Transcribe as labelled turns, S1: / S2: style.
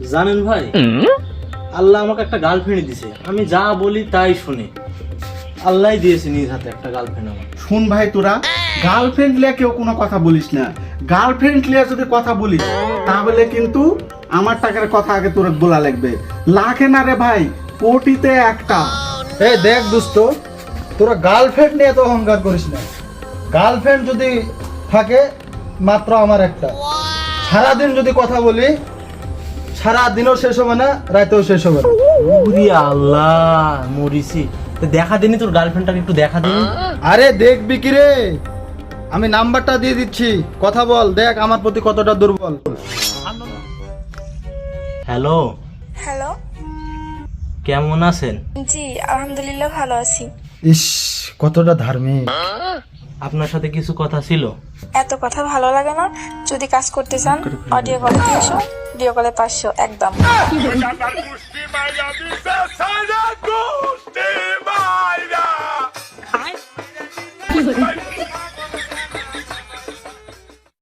S1: জানেন ভাই, আল্লাহ আমাকে একটা গার্লফ্রেন্ড দিছে, আমি যা বলি তাই শুনে। আল্লাহ দিয়েছে নিজ হাতে একটা গার্লফ্রেন্ড আমার।
S2: শুন ভাই, তোরা গার্লফ্রেন্ড লিয়ে কেউ কোনো কথা বলিস না। গার্লফ্রেন্ড লিয়ে যদি কথা বলিস তাহলে কিন্তু আমার টাকার কথা আগে তোর বলা লাগবে। লাখে না রে ভাই, কোটিতে একটা।
S3: এই দেখ দোস্ত, তোরা গার্লফ্রেন্ড নিয়ে তো অহংকার করিস না। গার্লফ্রেন্ড যদি থাকে মাত্র আমার একটা। সারাদিন যদি কথা বলি, সারাদিনও শেষ হবে না, রাতেও শেষ হবে না।
S1: ওরে আল্লাহ, মরিছি। তো দেখা দিনি তোর গার্লফ্রেন্ডটাকে, একটু দেখা দিনি।
S3: আরে দেখবি কি রে, আমি নাম্বারটা দিয়ে দিচ্ছি, কথা বল, দেখ আমার প্রতি কতটা দুর্বল।
S1: হ্যালো,
S4: হ্যালো,
S1: কেমন আছেন?
S4: জি আলহামদুলিল্লাহ ভালো আছি।
S3: ইস, কতটা ধার্মিক।
S1: আপনার সাথে কিছু কথা ছিল।
S4: এত কথা ভালো লাগে না। যদি কাজ করতে চান অডিও কলে 300, ভিডিও কলে 500 একদম।
S5: Ay.